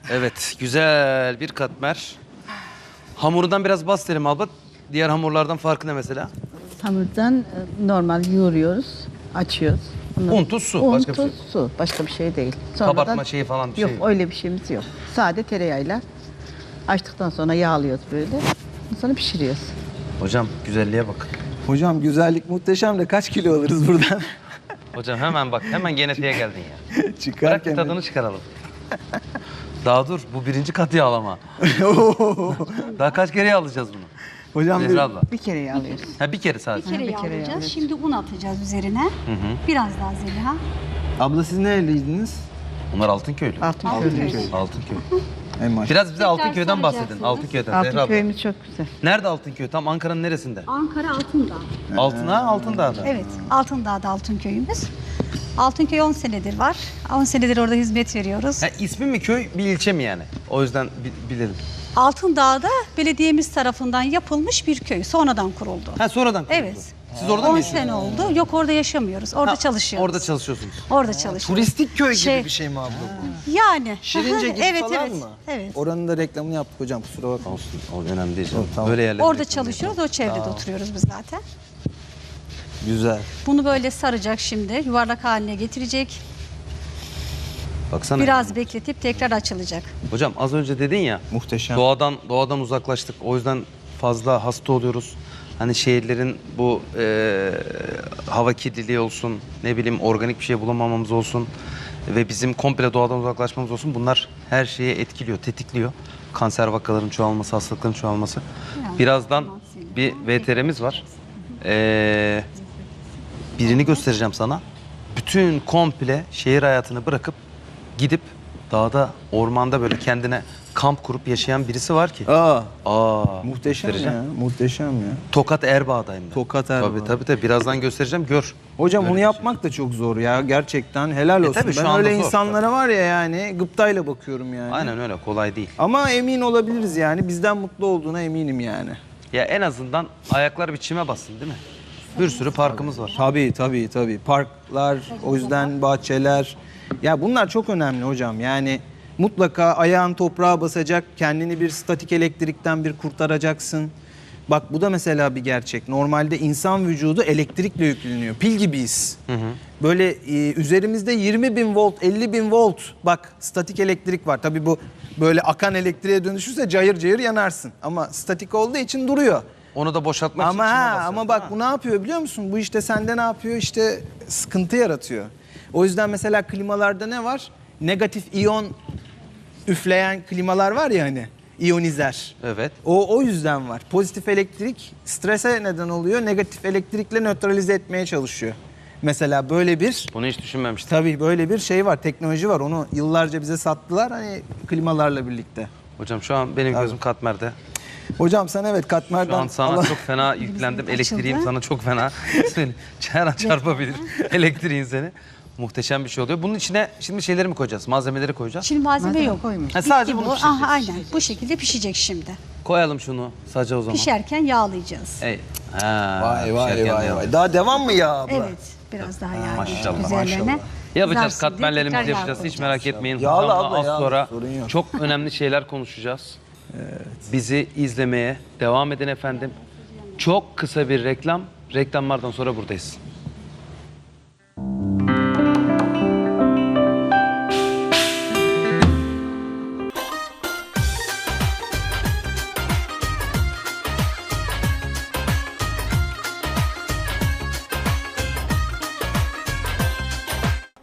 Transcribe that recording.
Evet, güzel bir katmer. Hamurundan biraz bahsedelim abla. Diğer hamurlardan farkı ne mesela? Hamurdan normal yoğuruyoruz, açıyoruz. Un, tuz, su. Un, Başka bir şey tuz, su. Başka bir şey değil. Kabartma şeyi falan bir yok, şey. öyle bir şeyimiz yok. Sade tereyağıyla açtıktan sonra yağlıyoruz böyle. Sonra pişiriyoruz. Hocam güzelliğe bak. Hocam güzellik muhteşem de kaç kilo alırız buradan? Hocam hemen bak, hemen genetiğe geldin ya. Bırak Çıkarken. bir tadını çıkaralım. Daha dur, bu birinci kat yağlama. Daha kaç kere yağlayacağız bunu? Hocam Zehra abla. Bir kere yağlıyoruz. Ha, bir kere sadece. Bir kere bir kere yağlayacağız. yağlayacağız. Şimdi un atacağız üzerine. Biraz daha Zeliha. abla siz nereliydiniz? Bunlar Altınköylü. Altınköy. Altınköy. En maşallah. Biraz bize Tekrar Altınköy'den bahsedin. saracaksınız. Altınköy'den Zehra abla. Altınköy'ümüz çok güzel. Nerede Altınköy? Tam Ankara'nın neresinde? Ankara Altındağ. Altına, Altındağ'da. Evet, Altındağ'da Altınköy'ümüz. Altınköy 10 senedir var. 10 senedir orada hizmet veriyoruz. Ha, ismi mi köy, bir ilçe mi yani? O yüzden bilelim. Altındağ'da belediyemiz tarafından yapılmış bir köy. Sonradan kuruldu. Ha, sonradan kuruldu. Evet. Siz orada mı 10 yaşıyorsunuz? sene oldu. Yok, orada yaşamıyoruz. Orada Ha, çalışıyoruz. Orada çalışıyorsunuz. Orada çalışıyoruz. Turistik köy gibi Şey- bir şey mi abla bu? Yani. Şirince gibi evet, falan evet. mı? Evet. Oranın da reklamını yaptık hocam, kusura bakma. Olsun, o önemli değil. Yok, tamam. Böyle yerlerde. Orada çalışıyoruz. O çevrede oturuyoruz biz zaten. Güzel. Bunu böyle saracak şimdi. Yuvarlak haline getirecek. Baksana. Biraz bekletip tekrar açılacak. Hocam az önce dedin ya. Muhteşem. Doğadan uzaklaştık. O yüzden fazla hasta oluyoruz. Hani şehirlerin bu hava kirliliği olsun, ne bileyim organik bir şey bulamamamız olsun ve bizim komple doğadan uzaklaşmamız olsun. Bunlar her şeye etkiliyor, tetikliyor. Kanser vakaların çoğalması, hastalıkların çoğalması. Birazdan bir VTR'miz var. Birini göstereceğim sana. Bütün komple şehir hayatını bırakıp gidip dağda, ormanda böyle kendine kamp kurup yaşayan birisi var ki. Muhteşem göstereceğim. ya, muhteşem ya. Tokat Erbaa'dayım ben. Tokat Erbaa. Tabii. Birazdan göstereceğim. Gör. Hocam Böyle onu bir yapmak da çok zor ya, gerçekten helal olsun. tabii şu Ben anda öyle zor, insanlara var ya yani gıptayla bakıyorum yani. Aynen öyle. Kolay değil. Ama emin olabiliriz yani, bizden mutlu olduğuna eminim yani. Ya en azından ayaklar bir çime bassın değil mi? Bir sürü parkımız var. Tabii. Parklar, o yüzden bahçeler. Ya bunlar çok önemli hocam. Yani mutlaka ayağın toprağa basacak, kendini bir statik elektrikten bir kurtaracaksın. Bak bu da mesela bir gerçek. Normalde insan vücudu elektrikle yükleniyor. Pil gibiyiz. Böyle üzerimizde 20.000 volt, 50.000 volt. Bak statik elektrik var. Tabii bu böyle akan elektriğe dönüşürse cayır cayır yanarsın. Ama statik olduğu için duruyor. Onu da boşaltmak için Ama çime ha, basar, ama değil bak mi? bu ne yapıyor biliyor musun? Bu işte sende ne yapıyor? İşte sıkıntı yaratıyor. O yüzden mesela klimalarda ne var? Negatif iyon üfleyen klimalar var ya hani. İyonizer. Evet. O yüzden var. Pozitif elektrik strese neden oluyor. Negatif elektrikle nötralize etmeye çalışıyor. Mesela böyle bir Bunu hiç düşünmemiştim. tabii böyle bir şey var. Teknoloji var. Onu yıllarca bize sattılar hani klimalarla birlikte. Hocam şu an benim gözüm katmerde. Hocam sen evet Şu katmerden an sana çok fena yüklendim. Açıldı. Elektriğim sana çok fena. Seni her an çarpabilir. Elektriğin seni. Muhteşem bir şey oluyor. Bunun içine şimdi şeyleri mi koyacağız? Malzemeleri koyacağız. Şimdi malzeme Malzeme yok. koymuş. Ha, sadece Bitti bunu bu. pişireceğiz. Aha, aynen. Bu şekilde pişecek şimdi. Koyalım şunu saca o zaman. Pişerken yağlayacağız. Ey. Ha, Vay. pişerken Daha devam mı ya abla? Evet. Biraz daha yağ maşallah, üzerlerine. Yapacağız, Kızarsın diye katmerlerimizi tekrar yağ yapacağız. Hiç koyacağız. merak etmeyin. Yağlı Hocamla abla, az yağlı. sonra Sorun yok. çok önemli şeyler konuşacağız. Bizi izlemeye devam edin efendim. Çok kısa bir reklam. Reklamlardan sonra buradayız.